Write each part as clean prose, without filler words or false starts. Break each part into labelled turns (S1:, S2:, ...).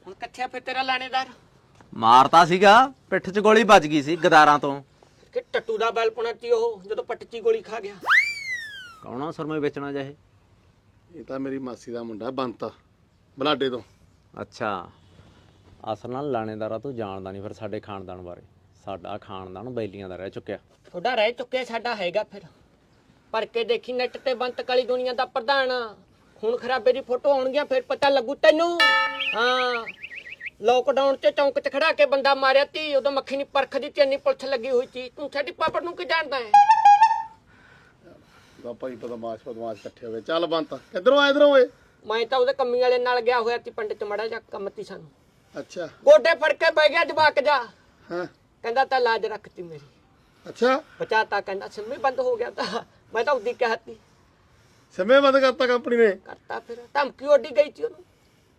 S1: ਹੁਣ ਕਿੱਥੇ ਫਿਰ ਤੇਰਾ ਲਾਣੇਦਾਰ?
S2: ਮਾਰਤਾ ਸੀਗਾ, ਪਿੱਠ 'ਚ ਗੋਲੀ ਵੱਜ ਗਈ ਸੀ ਗਦਾਰਾਂ ਤੋਂ।
S1: ਕਿ ਟੱਟੂ ਦਾ ਬੈਲ ਪੁਣਾ ਤੀ ਉਹ ਜਦੋਂ ਪੱਟ 'ਚ ਗੋਲੀ ਖਾ ਗਿਆ।
S2: ਕੌਣਾ ਸੁਰਮੇ ਵੇਚਣਾ ਜਾਏ?
S3: ਇਹ ਤਾਂ ਮੇਰੀ ਮਾਸੀ ਦਾ ਮੁੰਡਾ ਬੰਤਾ ਬਲਾਡੇ ਤੋਂ।
S2: ਅੱਛਾ, ਅਸਲ ਨਾਲ ਲਾਣੇਦਾਰਾ ਤੂੰ ਜਾਣਦਾ ਨਹੀਂ ਫਿਰ ਸਾਡੇ ਖਾਨਦਾਨ ਬਾਰੇ। ਸਾਡਾ ਖਾਨਦਾਨ ਬੈਲੀਆਂ ਦਾ ਰਹਿ ਚੁੱਕਿਆ।
S1: ਤੁਹਾਡਾ ਰਹਿ ਚੁੱਕਿਆ, ਸਾਡਾ ਹੈਗਾ। ਫਿਰ ਪਰ ਕੇ ਦੇਖੀ ਨੈਟ ਤੇ ਬੰਤ ਕਾਲੀ ਦੁਨੀਆ ਦਾ ਪ੍ਰਧਾਨ ਖੂਨ ਖਰਾਬੇ ਦੀ ਫੋਟੋ ਆਉਣਗੀਆਂ, ਫਿਰ ਪਤਾ ਲੱਗੂ ਤੈਨੂੰ। ਹਾਂ, ਲੋਕਡਾਊਨ 'ਚ ਚੌਂਕ 'ਚ ਖੜਾ ਕੇ ਬੰਦਾ ਮਾਰਿਆ ਤੀ, ਉਦੋਂ ਮੱਖੀ ਨਹੀਂ ਪਰਖਦੀ ਤੇ ਇੰਨੀ ਪੁਲਿਸ ਲੱਗੀ ਹੋਈ ਸੀ। ਤੂੰ ਸਾਡੀ ਪਾਪੜ ਨੂੰ ਕੀ ਜਾਣਦਾ ਹੈ?
S3: ਦਾ ਭਾਈ ਬਦਮਾਸ਼ ਇਕੱਠੇ ਹੋ ਗਏ। ਚੱਲ ਬੰਤਾ ਕਿੱਧਰੋਂ ਆਏ? ਇਧਰੋਂ ਓਏ।
S1: ਮੈਂ ਤਾਂ ਉਹਦੇ ਕੰਮੀ ਵਾਲੇ ਨਾਲ ਗਿਆ ਹੋਇਆ ਸੀ ਪਿੰਡ 'ਚ, ਮੜਾ ਜਾ ਕੰਮ ਤੀ ਸਾਨੂੰ।
S3: ਅੱਛਾ,
S1: ਗੋਡੇ ਫੜ ਕੇ ਬਹਿ ਗਿਆ ਜਵਾਕ ਜਾ।
S3: ਹਾਂ,
S1: ਕਹਿੰਦਾ ਤਾਂ ਲਾਜ ਰੱਖਤੀ ਮੇਰੀ,
S3: ਅੱਛਾ।
S1: ਬਚਾਤਾ। ਕਹਿੰਦਾ ਸਿੰਮੀ ਬੰਦ ਹੋ ਗਿਆ ਤਾਂ ਮੈਂ ਤਾਂ ਉਹਦੀ ਕਹਿਤੀ
S3: ਸਮੇਂ ਬੰਦ ਕਰਤਾ ਕੰਪਨੀ ਨੇ।
S1: ਕਰਤਾ। ਫਿਰ ਧਮਕੀ ਉੱਡੀ ਗਈ ਸੀ ਉਹਨੂੰ।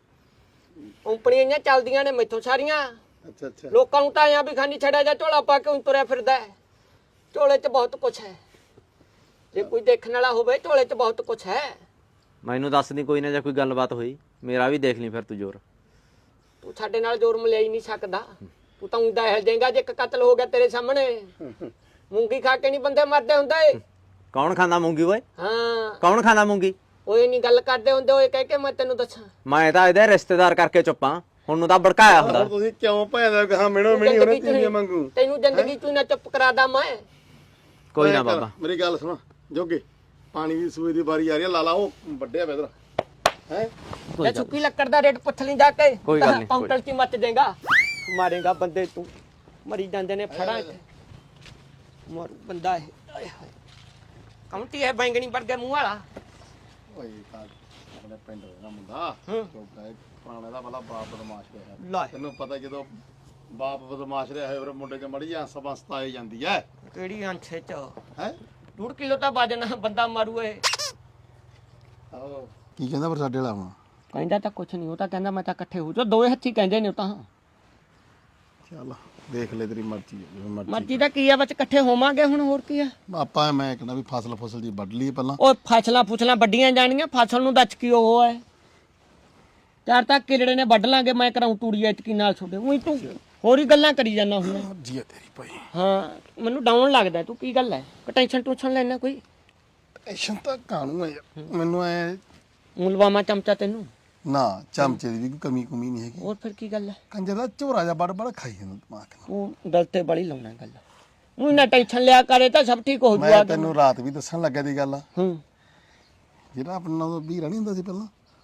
S1: ਕੰਪਨੀਆਂ ਚੱਲਦੀਆਂ ਨੇ ਮੈਥੋਂ ਸਾਰੀਆਂ।
S3: ਅੱਛਾ ਅੱਛਾ।
S1: ਲੋਕਾਂ ਨੂੰ ਤਾਂ ਆਇਆ ਵੀ ਖਾਨੀ ਛੜਿਆ ਜਾ ਝੋਲਾ ਪਾ ਕੇ ਤੁਰਿਆ ਫਿਰਦਾ ਹੈ। ਝੋਲੇ 'ਚ ਬਹੁਤ ਕੁਛ ਹੈ, ਜੇ ਕੋਈ ਦੇਖਣ ਵਾਲਾ ਹੋਵੇ ਝੋਲੇ 'ਚ ਬਹੁਤ ਕੁਛ ਹੈ।
S2: ਮੈਨੂੰ ਦੱਸ ਦੀ ਕੋਈ ਨਾ, ਜੇ ਕੋਈ ਗੱਲਬਾਤ ਹੋਈ ਮੇਰਾ ਵੀ ਦੇਖ ਲਈ ਫਿਰ ਤੂੰ ਜ਼ੋਰ।
S1: ਤੂੰ ਸਾਡੇ ਨਾਲ ਜ਼ੋਰ ਮਿਲਿਆ ਹੀ ਨਹੀਂ ਸਕਦਾ। ਤੂੰ ਤਾਂ ਉਂਦਾ ਹਿਲ ਜਾਏਗਾ ਜੇ ਇੱਕ ਕਤਲ ਹੋ ਗਿਆ ਤੇਰੇ ਸਾਹਮਣੇ। ਮੂੰਗੀ ਖਾ ਕੇ ਨਹੀਂ ਬੰਦੇ ਮਰਦੇ ਹੁੰਦੇ।
S2: ਕੌਣ ਖਾਂਦਾ ਮੂੰਗੀ ਓਏ?
S1: ਹਾਂ,
S2: ਕੌਣ ਖਾਂਦਾ ਮੂੰਗੀ?
S1: ਓਏ ਨਹੀਂ ਗੱਲ ਕਰਦੇ ਹੁੰਦੇ ਓਏ ਕਹਿ ਕੇ ਮੈਂ ਤੈਨੂੰ ਦੱਸਾਂ।
S2: ਮੈਂ ਤਾਂ ਇਹਦੇ ਰਿਸ਼ਤੇਦਾਰ ਕਰਕੇ ਚੁੱਪਾਂ, ਹੁਣ ਨੂੰ ਤਾਂ ਭੜਕਾਇਆ ਹੁੰਦਾ।
S3: ਤੁਸੀਂ ਕਿਉਂ ਭੈਣ ਕਹਾ ਮਿਣੋ ਮਿਣੀ ਉਹਨੇ ਤੀਵੀਆਂ ਮੰਗੂ?
S1: ਤੈਨੂੰ ਜ਼ਿੰਦਗੀ ਤੂੰ ਨਾ ਚੁੱਪ ਕਰਾਦਾ ਮੈਂ।
S2: ਕੋਈ ਨਾ ਬਾਬਾ,
S3: ਮੇਰੀ ਗੱਲ ਸੁਣ ਜੋਗੇ, ਪਾਣੀ ਦੀ ਸੂਏ ਦੀ ਵਾਰੀ ਆ ਰਹੀ ਹੈ। ਲਾਲਾ ਉਹ ਵੱਡਿਆ ਵੇ ਇਧਰ ਹੈ।
S1: ਲੈ ਸੁੱਕੀ ਲੱਕੜ ਦਾ ਰੇਟ ਪੁੱਛ ਲਈ ਜਾ ਕੇ।
S2: ਕੋਈ ਗੱਲ ਨਹੀਂ,
S1: ਕਾਊਂਟਰ 'ਚ ਮੱਚ ਦੇਗਾ, ਮਾਰੇਗਾ ਬੰਦੇ। ਤੂੰ ਮਰੀ ਜਾਂਦੇ ਨੇ ਫੜਾ ਇੱਥੇ ਮਾਰੂ ਬੰਦਾ ਇਹ। ਆਏ ਹਾਏ, ਕਾਉਂਟੀ ਹੈ ਬੈਂਗਣੀ ਵਰਗੇ ਮੂੰਹ ਵਾਲਾ।
S3: ਓਏ ਤਾਂ ਆਪਣੇ ਪਿੰਡ ਦਾ ਮੁੰਡਾ ਜੋਗਾ ਹੈ, ਪੁਰਾਣੇ ਦਾ ਭਲਾ ਬਾਪ ਬਦਮਾਸ਼ ਰਿਹਾ।
S1: ਲੈ
S3: ਤੈਨੂੰ ਪਤਾ ਜਦੋਂ ਬਾਪ ਬਦਮਾਸ਼ ਰਿਹਾ ਹੋਵੇ ਮੁੰਡੇ 'ਚ ਮੜੀ ਜਾਂ ਸਬਸਤਾ ਆਈ ਜਾਂਦੀ ਹੈ।
S1: ਕਿਹੜੀ ਅੰਛੇ 'ਚ
S3: ਹੈ
S1: 2 ਕਿਲੋ ਤਾਂ ਵਜਨ ਬੰਦਾ ਮਾਰੂ ਏ।
S3: ਆਹੋ, ਕੀ ਕਹਿੰਦਾ ਪਰ ਸਾਡੇ ਵਾਲਾ ਹੁਣ?
S1: ਕਹਿੰਦਾ ਤਾਂ ਕੁਛ ਨਹੀਂ, ਉਹ ਤਾਂ ਕਹਿੰਦਾ ਮੈਂ ਤਾਂ ਇਕੱਠੇ ਹੋ ਜਾ। ਦੋਵੇਂ ਹੱਥੀ ਕਹਿੰਦੇ ਨੇ ਉਹ ਤਾਂ।
S3: ਚੱਲ ਦੇਖ ਲੈ ਤੇਰੀ ਮਰਜ਼ੀ ਹੈ, ਜਿਵੇਂ ਮਰਜ਼ੀ।
S1: ਮਰਜ਼ੀ ਦਾ ਕੀ ਆ, ਵਿੱਚ ਇਕੱਠੇ ਹੋਵਾਂਗੇ ਹੁਣ, ਹੋਰ ਕੀ ਆ।
S3: ਆਪਾਂ ਮੈਂ ਕਹਿੰਦਾ ਵੀ ਫਸਲ ਜੀ ਵੱਢ ਲਈਏ ਪਹਿਲਾਂ।
S1: ਉਹ ਫਸਲਾਂ ਵੱਡੀਆਂ ਜਾਣੀਆਂ, ਫਸਲ ਨੂੰ ਦੱਚ ਕੀ ਉਹ ਹੈ। ਚਾਰ ਤਾਂ ਕਿਲੜੇ ਨੇ ਵੱਢ ਲਾਂਗੇ, ਮੈਂ ਕਰਾਉਂ ਤੂੜੀ ਐਤਕੀ ਨਾਲ ਛੋਡੇ। ਉਹੀ ਤੂੰ ਹੋਰ ਹੀ ਗੱਲਾਂ ਕਰੀ ਜਾਂਦਾ ਹੁੰਦਾ।
S3: ਮਰਜ਼ੀ ਹੈ ਤੇਰੀ ਭਾਈ।
S1: ਹਾਂ, ਮੈਨੂੰ ਡਾਊਨ ਲੱਗਦਾ। ਤੂੰ ਕੀ ਗੱਲ ਹੈ, ਟੈਨਸ਼ਨ ਟੂਸ਼ਨ ਲੈਣਾ ਕੋਈ?
S3: ਟੈਨਸ਼ਨ ਤਾਂ ਕਾਹਨੂੰ ਹੈ ਯਾਰ, ਮੈਨੂੰ ਐ
S1: ਲਵਾਵਾਂ ਚਮਚਾ ਤੈਨੂੰ?
S3: ਨਾ ਚਮਚੇ ਦੀ ਵੀ ਕੋਈ ਕਮੀ ਕੁਮੀ ਨਹੀਂ ਹੈਗੀ।
S1: ਹੋਰ ਫਿਰ ਕੀ ਗੱਲ ਹੈ?
S3: ਕੰਜਰ ਦਾ ਝੋਰਾ ਜਾ ਬੜ ਬੜ ਖਾਈ ਜਾਂਦਾ ਦਿਮਾਗ ਨਾਲ।
S1: ਉਹ ਗੱਲ ਤੇ ਬੜੀ ਲਾਉਣਾ ਗੱਲ। ਉਹ ਨਾ ਟੈਨਸ਼ਨ ਲਿਆ ਕਰੇ ਤਾਂ ਸਭ ਠੀਕ ਹੋ
S3: ਮੈਂ
S1: ਜੂਗਾ।
S3: ਤੈਨੂੰ ਰਾਤ ਵੀ ਦੱਸਣ ਲੱਗਾ ਦੀ ਗੱਲ।
S1: ਜਿਹੜਾ
S3: ਆਪਣਾ ਨਾਲ ਵੀਰਾ ਨਹੀਂ ਹੁੰਦਾ ਸੀ ਪਹਿਲਾਂ,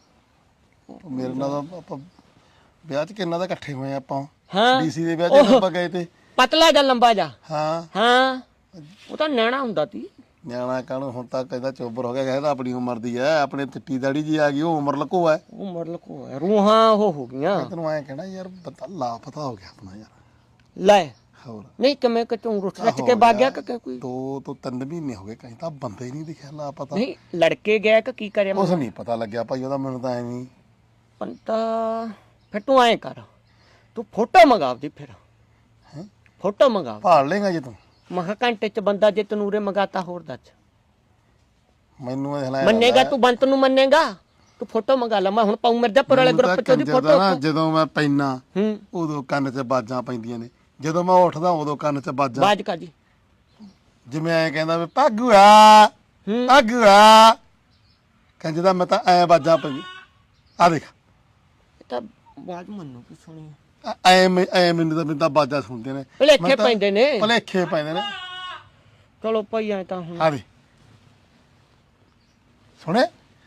S3: ਉਹ ਮੇਰੇ ਨਾਲ ਆਪਾਂ ਵਿਆਹ 'ਚ ਕਿੰਨਾ ਦਾ ਇਕੱਠੇ ਹੋਏ ਆਪਾਂ।
S1: ਹਾਂ,
S3: ਡੀਸੀ ਦੇ ਵਿਆਹ 'ਚ ਆਪਾਂ ਗਏ ਤੇ।
S1: ਪਤਲਾ ਜਾਂ ਲੰਬਾ ਜਾ?
S3: ਹਾਂ
S1: ਹਾਂ, ਉਹ ਤਾਂ ਨੈਣਾ ਹੁੰਦਾ ਸੀ।
S3: ਨਿਆਣਾ ਕਾਹਨੂੰ, ਹੁਣ ਤਾਂ ਕਹਿੰਦਾ ਚੋਬਰ ਹੋ ਗਿਆ। ਕਹਿੰਦਾ ਆਪਣੀ ਉਮਰ ਦੀ ਐ, ਆਪਣੇ ਚਿੱਟੀ ਦਾੜੀ ਜੀ ਆ ਗਈ, ਉਹ ਉਮਰ ਲਕੋ ਐ।
S1: ਉਮਰ ਲਕੋ ਹੈ, ਰੂਹਾਂ ਉਹ ਹੋ ਗਈਆਂ।
S3: ਮੈਂ ਤੈਨੂੰ ਐਂ ਕਹਿਣਾ ਯਾਰ, ਬੰਦਾ ਲਾਪਤਾ ਹੋ ਗਿਆ ਆਪਣਾ ਯਾਰ।
S1: ਲੈ
S3: ਹੋਰ
S1: ਨਹੀਂ ਕਿਵੇਂ ਕਿ ਤੂੰ ਰੁੱਠ ਰੱਟ ਕੇ ਵਗ ਗਿਆ ਕਿ ਕੋਈ?
S3: 2 ਤੋਂ 3 ਮਹੀਨੇ ਹੋ ਗਏ, ਕਹੀਂ ਤਾਂ ਬੰਦਾ ਹੀ ਨਹੀਂ ਦਿਖਿਆ। ਲਾਪਤਾ
S1: ਨਹੀਂ ਲੜਕੇ ਗਿਆ ਕਿ ਕੀ ਕਰਿਆ?
S3: ਕੁਛ ਨਹੀਂ ਪਤਾ ਲੱਗਿਆ ਭਾਈ ਉਹਦਾ, ਮੈਨੂੰ ਤਾਂ ਐ ਨਹੀਂ
S1: ਪੰਤਾ। ਫਿਰ ਤੂੰ ਐਂ ਕਰ, ਤੂੰ ਫੋਟੋ ਮੰਗਾਵਦੀ। ਫਿਰ
S3: ਹੈ
S1: ਫੋਟੋ ਮੰਗਾਵ,
S3: ਭਾਲ ਲੇਗਾ ਜੇ ਤੂੰ।
S1: ਮਹਾ ਘੰਟੇ 'ਚ ਬੰਦਾ ਜੇ ਤਨੂਰੇ ਮੰਗਾਤਾ, ਹੋਰ ਦੱਸ।
S3: ਮੈਨੂੰ ਇਹ
S1: ਮੰਨੇਗਾ ਤੂੰ? ਬੰਤ ਨੂੰ ਮੰਨੇਗਾ? ਤੂੰ ਫੋਟੋ ਮੰਗਾ ਲੈ, ਮੈਂ ਹੁਣ ਪਾਉ ਮਿਰਜ਼ਾਪੁਰ ਵਾਲੇ ਗਰੁੱਪ 'ਚ ਉਹਦੀ ਫੋਟੋ।
S3: ਜਦੋਂ ਮੈਂ ਪੈਣਾ ਉਦੋਂ ਕੰਨ 'ਚ ਬਾਜਾਂ ਪੈਂਦੀਆਂ ਨੇ, ਜਦੋਂ ਮੈਂ ਉੱਠਦਾ ਉਦੋਂ ਕੰਨ 'ਚ ਬਾਜਾਂ।
S1: ਬਾਜ ਕਾ ਜੀ?
S3: ਜਿਵੇਂ ਐ ਕਹਿੰਦਾ ਵੀ ਭਾਗੂਆ ਭਾਗੂਆ, ਕਹਿੰਦਾ ਜਦੋਂ ਮੈਂ ਤਾਂ ਐ ਬਾਜਾਂ ਪਈ। ਆ ਦੇਖ,
S1: ਇਹ ਤਾਂ ਬਾਜ ਮੰਨੂ ਕੀ ਸੁਣੀ
S3: ਐ ਮੈਨੂੰ ਤਾਂ ਬਾਜਾਂ ਸੁਣਦੇ ਨੇ,
S1: ਭਲੇਖੇ ਪੈਂਦੇ ਨੇ।
S3: ਭਲੇਖੇ ਪੈਂਦੇ ਨੇ।
S1: ਚਲੋ ਭਾਈ ਐ ਤਾਂ ਹੁਣ
S3: ਆ ਦੇ ਸੁਣੇ।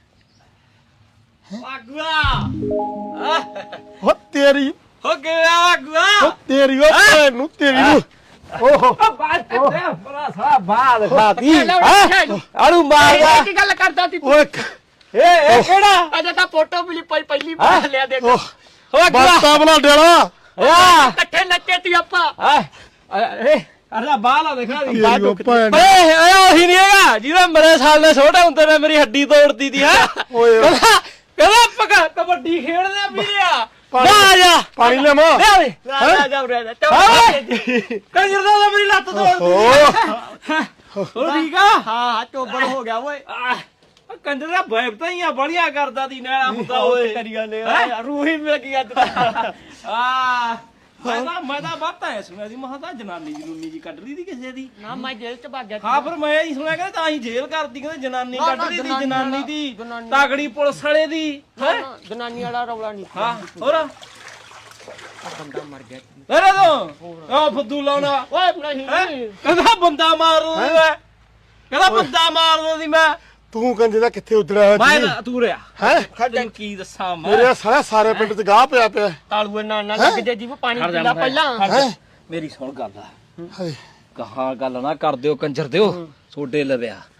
S1: ਵਾਗੂਆ
S3: ਹੋ ਤੇਰੀ
S1: ਹੋ ਗਿਆ ਵਾਗੂਆ,
S3: ਹੋ ਤੇਰੀ, ਉਹ ਭੈਣ ਨੂੰ ਤੇਰੀ ਨੂੰ। ਓਹੋ
S1: ਬਾਜ ਤੇ ਬੜਾ ਸਾਰਾ ਬਾਦ
S2: ਖਾਤੀ ਆੜੂ ਮਾਰਦਾ।
S1: ਕੀ ਗੱਲ ਕਰਦਾ ਤੀ
S3: ਓਏ
S1: ਇਹ ਕਿਹੜਾ? ਅਜੇ ਤਾਂ ਫੋਟੋ ਵੀ ਪਹਿਲੀ ਵਾਰ ਲਿਆ ਦੇਖ।
S3: ਬਾਤਾਂ ਬਣਾ ਡੇਲਾ
S1: ਇਕੱਠੇ ਨੱਚੇ ਤੀ ਆਪਾਂ।
S2: ਅਰਲਾ ਬਾਲਾ ਦੇਖਾ
S3: ਤੇਰੀ ਉਹ ਭੈਣ।
S2: ਓਏ ਉਹੀ ਨਹੀਂ ਹੈਗਾ ਜਿਹਦਾ ਮੇਰੇ ਸਾਲ ਦੇ ਛੋਟੇ ਹੁੰਦੇ ਨੇ ਮੇਰੀ ਹੱਡੀ ਤੋੜਦੀ ਦੀ। ਹੈ
S3: ਓਏ
S2: ਕਹਿੰਦਾ ਪਕਾ ਕਬੱਡੀ ਖੇਡਦੇ ਆ ਵੀਰਿਆ। ਆ ਜਾ
S3: ਪਾਣੀ ਲਿਆਵਾਂ।
S1: ਜਾ ਜਾ
S2: ਕੰਜਰ ਦਾ ਮੇਰੀ ਲੱਤ ਤੋੜਦੀ।
S3: ਓ
S2: ਹੋ ਠੀਕ ਆ?
S1: ਹਾਂ ਚੋਬੜ ਹੋ ਗਿਆ ਓਏ।
S4: ਕੰਜਰ ਦਾ ਵੈਬ ਤਾਂ ਹੀ ਆ ਬੜੀਆਂ ਕਰਦਾ ਦੀ ਨੈਣਾ ਹੁੰਦਾ ਓਏ
S1: ਕਰੀ ਜਾਂਦੇ ਰੂਹ ਹੀ ਮਿਲ ਗਈ ਅੱਜ
S4: ਆ ਮੈਂ ਤਾਂ ਬਾਤਾਂ ਐ ਸੁਣਿਆ ਸੀ ਮਹਾਂ ਤਾਂ ਜਨਾਨੀ ਜਨੂਨੀ ਜੀ ਕੱਢ ਲਈ ਦੀ ਕਿਸੇ ਦੀ
S1: ਨਾ ਮੈਂ ਜੇਲ੍ਹ ਚ ਭੱਗ ਗਿਆ
S4: ਹਾਂ ਫਿਰ ਮੈਂ ਹੀ ਸੁਣਿਆ ਕਹਿੰਦੇ ਤਾਂ ਹੀ ਜੇਲ੍ਹ ਕਰਦੀ ਕਹਿੰਦੇ ਜਨਾਨੀ ਕੱਢ ਲਈ ਦੀ ਜਨਾਨੀ ਦੀ
S1: ਜਨਾਨੀ।
S4: ਤਾਗੜੀ ਪੁਲਿਸ ਵਾਲੇ ਦੀ ਹੈ
S1: ਜਨਾਨੀ ਵਾਲਾ ਰੌਲਾ ਨਹੀਂ
S4: ਹਾਂ ਹੋਰ
S1: ਆ ਬੰਦਾ ਮਰ ਗਿਆ
S4: ਅਰੇ ਤੂੰ ਆ ਫੁੱਦੂ ਲਾਉਣਾ
S1: ਓਏ ਨਹੀਂ
S4: ਕਹਿੰਦਾ ਬੰਦਾ ਮਾਰ ਦਿੰਦਾ ਕਹਿੰਦਾ ਬੰਦਾ ਮਾਰ ਦਿੰਦੀ ਮੈਂ
S3: ਤੂੰ ਕੰਜੇ ਦਾ ਕਿੱਥੇ ਉਜੜਿਆ ਹੋਇਆ
S4: ਮੈਂ
S3: ਸੀ
S4: ਤਾਂ ਤੂੰ ਰਿਆ
S3: ਹੈ
S4: ਤੈਨੂੰ ਕੀ ਦੱਸਾਂ ਮੈਂ
S3: ਮੇਰੇ ਸਾਰੇ ਪਿੰਡ ਚ ਗਾਹ ਪਿਆ ਪਿਆ
S1: ਤਾਲੂਏ ਨਾਲ ਨਾ ਲੱਗ ਜੇ ਜੀਵ ਪਾਣੀ ਪੀਲਾ ਪਹਿਲਾਂ
S3: ਹੈ
S4: ਮੇਰੀ ਸੁਣ ਗੱਲ
S3: ਹਾਏ
S4: ਕਹਾਂ ਗੱਲ ਨਾ ਕਰ ਦਿਓ ਕੰਜਰ ਦਿਓ ਸੋਡੇ ਲਵਿਆ